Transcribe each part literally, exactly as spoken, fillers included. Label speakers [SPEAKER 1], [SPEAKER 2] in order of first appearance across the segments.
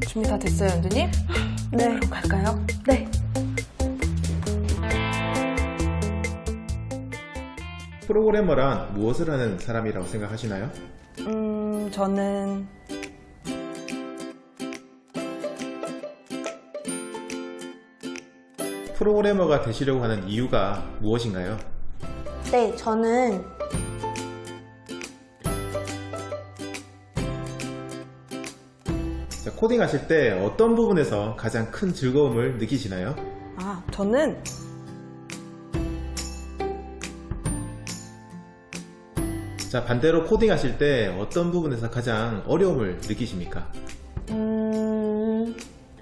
[SPEAKER 1] 준비 다 됐어요, 연두님?
[SPEAKER 2] 네.
[SPEAKER 1] 그럼 갈까요?
[SPEAKER 2] 네.
[SPEAKER 3] 프로그래머란 무엇을 하는 사람이라고 생각하시나요?
[SPEAKER 1] 음, 저는
[SPEAKER 3] 프로그래머가 되시려고 하는 이유가 무엇인가요?
[SPEAKER 2] 네, 저는
[SPEAKER 3] 자, 코딩 하실 때 어떤 부분에서 가장 큰 즐거움을 느끼시나요?
[SPEAKER 1] 아, 저는
[SPEAKER 3] 자, 반대로 코딩 하실 때 어떤 부분에서 가장 어려움을 느끼십니까?
[SPEAKER 2] 음...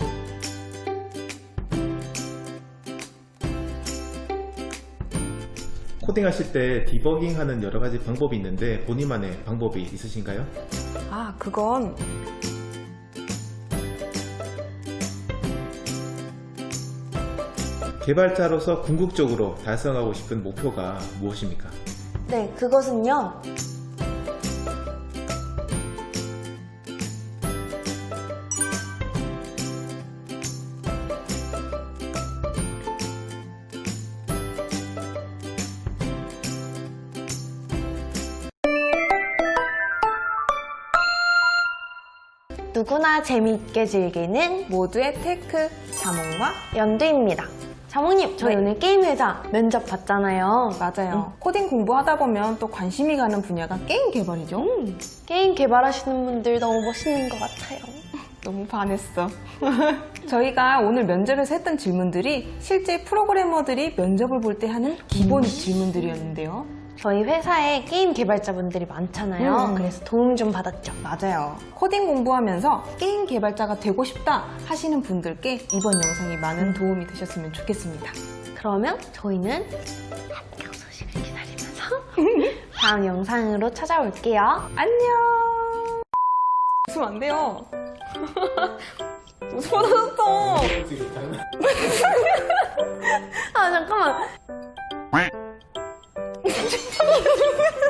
[SPEAKER 3] 코딩 하실 때 디버깅 하는 여러 가지 방법이 있는데 본인만의 방법이 있으신가요?
[SPEAKER 1] 아, 그건
[SPEAKER 3] 개발자로서 궁극적으로 달성하고 싶은 목표가 무엇입니까?
[SPEAKER 2] 네, 그것은요. 누구나 재미있게 즐기는
[SPEAKER 1] 모두의 테크 자몽과
[SPEAKER 2] 연두입니다. 자몽님, 저희
[SPEAKER 1] 네.
[SPEAKER 2] 오늘 게임 회사 면접 봤잖아요.
[SPEAKER 1] 맞아요. 코딩 공부하다 보면 또 관심이 가는 분야가 게임 개발이죠.
[SPEAKER 2] 음, 게임 개발하시는 분들 너무 멋있는 것 같아요.
[SPEAKER 1] 너무 반했어. 저희가 오늘 면접에서 했던 질문들이 실제 프로그래머들이 면접을 볼 때 하는 기본 질문들이었는데요.
[SPEAKER 2] 저희 회사에 게임 개발자분들이 많잖아요.
[SPEAKER 1] 음.
[SPEAKER 2] 그래서 도움 좀 받았죠.
[SPEAKER 1] 맞아요. 코딩 공부하면서 게임 개발자가 되고 싶다 하시는 분들께 이번 영상이 많은 도움이 되셨으면 좋겠습니다.
[SPEAKER 2] 그러면 저희는 합격 소식을 기다리면서 다음 영상으로 찾아올게요.
[SPEAKER 1] 안녕! 웃으면 안 돼요. 웃으면 터졌어.
[SPEAKER 2] 아, 잠깐만.